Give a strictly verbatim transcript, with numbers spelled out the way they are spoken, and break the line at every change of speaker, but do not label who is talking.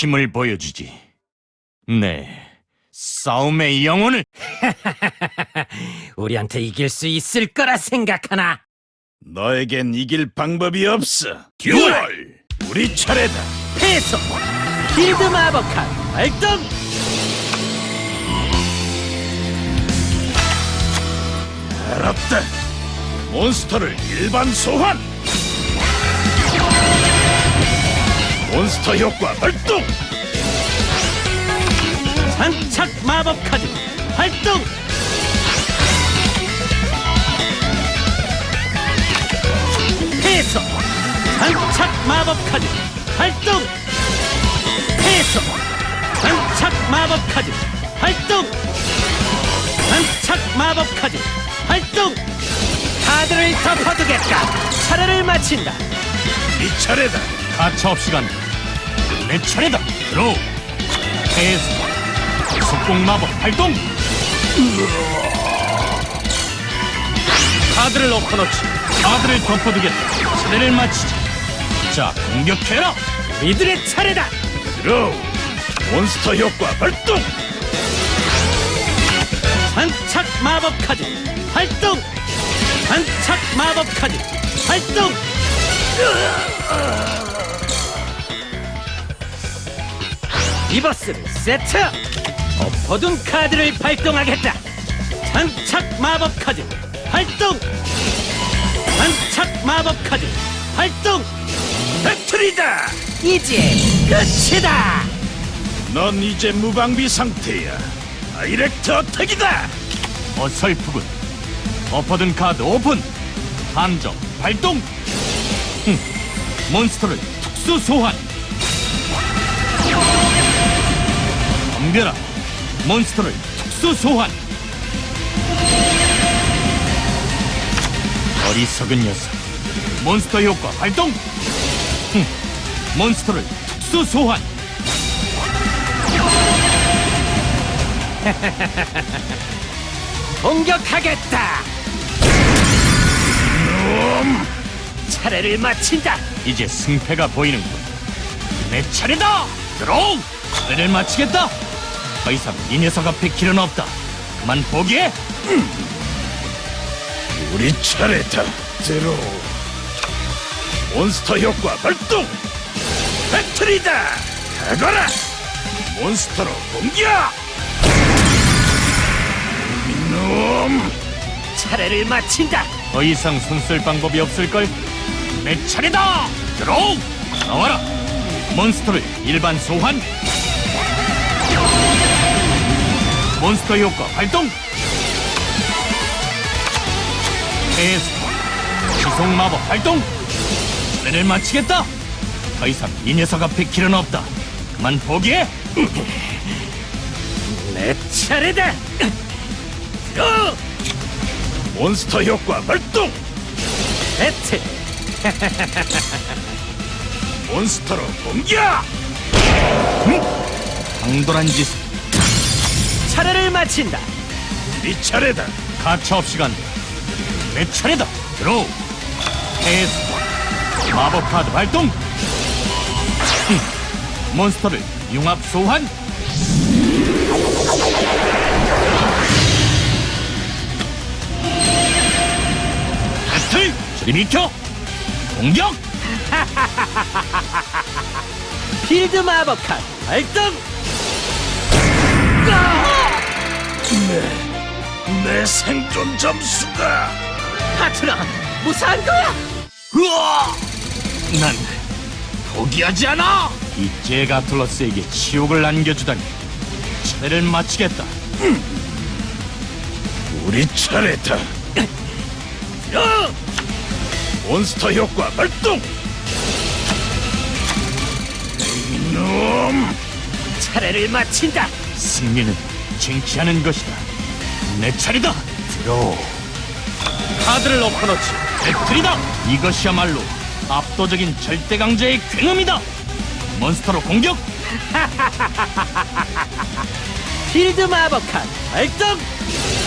힘을 보여주지. 네, 싸움의 영혼을.
우리한테 이길 수 있을 거라 생각하나?
너에겐 이길 방법이 없어. 듀얼! 우리 차례다.
패소! 필드 마법 카드 발동!
알았다. 몬스터를 일반 소환. 몬스터 효과 발동.
장착 마법 카드 발동! 패소! 장착 마법 카드 발동! 패소! 장착 마법 카드 발동! 장착 마법 카드 발동! 카드를 덮어두겠다! 차례를 마친다!
이 차례다.
가차없이 간다. 내 차례다. 들어. 패스. 속공 마법 발동. 카드를 엎어놓지. 카드를 덮어두겠다. 차례를 마치자. 자, 공격해라.
이들의 차례다!
드로우. 몬스터 효과 발동.
장착 마법 카드 발동! 장착 마법 카드 발동! 리버스를 세트! 엎어둔 카드를 발동하겠다! 장착 마법 카드 발동! 장착 마법 카드 발동!
배틀이다.
이제 끝이다!
넌 이제 무방비 상태야. 다이렉트 어택이다.
어설프군. 엎어둔 카드 오픈. 함정 발동. 흠. 몬스터를 특수 소환. 덤벼라. 몬스터를 특수 소환. 어리석은 녀석. 몬스터 효과 발동. 흠. 몬스터를 특수 소환.
공격하겠다! 차례를 마친다!
이제 승패가 보이는군. 내 차례다. 들어오. 차례를 마치겠다. 더 이상 이 녀석 앞에 길은 없다. 그만 포기해.
우리 차례다. 드로우. 몬스터 효과 발동. 배틀이다. 가거라. 몬스터로 공격. 이놈.
차례를 마친다!
더 이상 손쓸 방법이 없을걸? 내 차례다! 들어오! 나와라! 몬스터를 일반 소환! 몬스터 효과 발동! 패스! 지속 마법 발동! 차례를 마치겠다! 더 이상 이 녀석 앞에 길은 없다. 그만 포기해!
내 차례다! 어!
몬스터 효과 발동.
배틀!
몬스터로 공격.
강도란 짓을.
차례를 마친다!
네 차례다.
가차없이 간다. 내 차례다. 들어오. 패스. 마법 카드 발동. 흠. 몬스터를 융합 소환. 배틀. 저리 비켜. 공격.
필드 마법 카드 발동!
내 생존 점수가.
하트나 무사한 거야!
으아! 난 포기하지 않아. 이 제가툴러스에게 치욕을 안겨주다니. 차례를 마치겠다.
우리 차례다.
어!
몬스터 효과 발동. 이놈.
차례를 마친다!
승리는 쟁취하는 것이다. 내 차례다. 들어. 카드를 엎어놓지. 배틀이다. 이것이야말로 압도적인 절대 강자의 굉음이다. 몬스터로 공격.
필드 마법 카드 발동!